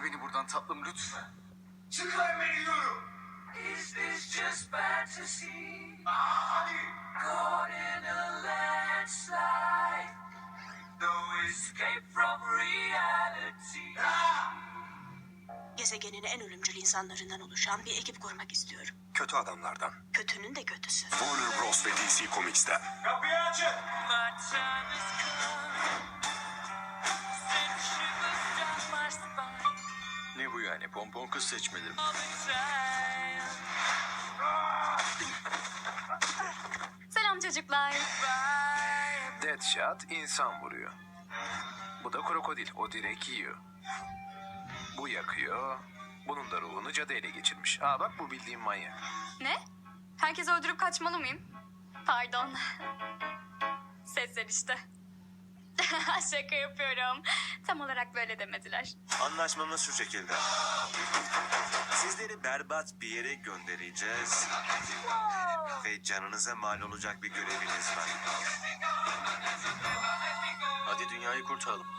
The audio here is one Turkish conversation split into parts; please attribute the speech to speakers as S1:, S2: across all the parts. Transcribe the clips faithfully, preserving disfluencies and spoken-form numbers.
S1: beni buradan tatlım lütfen.
S2: Çıkar beni diyorum.
S3: Is this just fantasy?
S2: Hadi.
S3: Caught in a landslide. No escape from reality.
S4: Gezegenin en ölümcül insanlarından oluşan bir ekip kurmak istiyorum.
S5: Kötü adamlardan.
S4: Kötünün de kötüsü.
S5: Warner Bros. Ve D C Comics'ten.
S2: Kapıyı açın.
S3: My time has come. Send shivers down my spine.
S1: Ne bu yani, pompon kız seçmeleri mi?
S3: All the time.
S6: Selam çocuklar.
S3: Bye.
S5: Deadshot insan vuruyor. Bu da krokodil. O direkt yiyor. Bu yakıyor. Bunun da ruhunu cadı ele geçirmiş. Aa bak, bu bildiğin manyak.
S6: Ne? Herkesi öldürüp kaçmalı mıyım? Pardon. Sesler işte. Şaka yapıyorum. Tam olarak böyle demediler.
S7: Anlaşmamız şu şekilde. Sizleri berbat bir yere göndereceğiz. Ve canınıza mal olacak bir göreviniz var.
S1: Hadi dünyayı kurtaralım.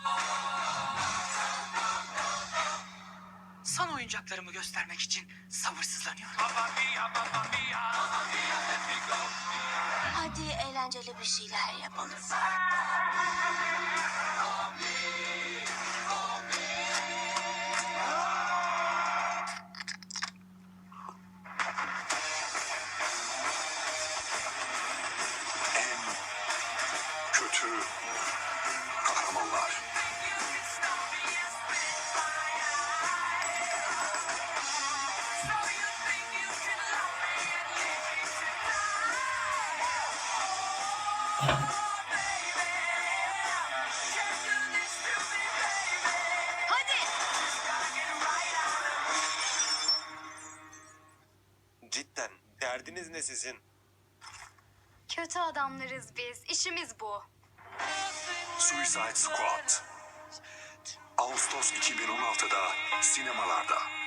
S8: Son oyuncaklarımı göstermek için sabırsızlanıyorum.
S4: Hadi eğlenceli bir şeyler yapalım.
S5: En kötü kahramanlar.
S7: Cidden derdiniz ne sizin?
S6: Kötü adamlarız biz. İşimiz bu.
S5: Suicide Squad. Ağustos iki bin on altıda sinemalarda.